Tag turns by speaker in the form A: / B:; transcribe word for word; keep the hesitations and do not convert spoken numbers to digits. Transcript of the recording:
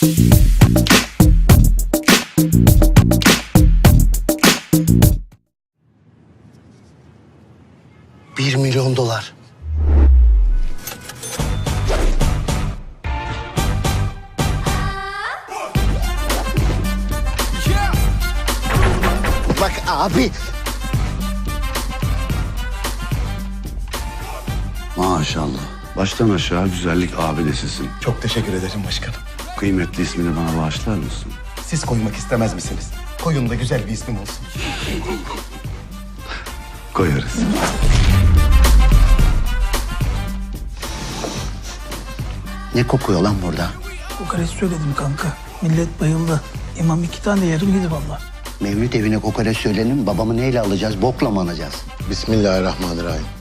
A: Bir milyon dolar. Bak abi.
B: Maşallah. Baştan aşağı güzellik abidesisin.
C: Çok teşekkür ederim başkanım.
B: Kıymetli ismini bana bağışlar mısın?
C: Siz koymak istemez misiniz? Koyun da güzel bir ismim olsun.
B: Koyarız.
A: Ne kokuyor lan burada?
D: Kokoreç söyledim kanka. Millet bayıldı. İmam iki tane yarım yedi vallahi.
A: Mevlüt evine kokoreç söyleyelim. Babamı neyle alacağız? Bokla mı alacağız?
C: Bismillahirrahmanirrahim.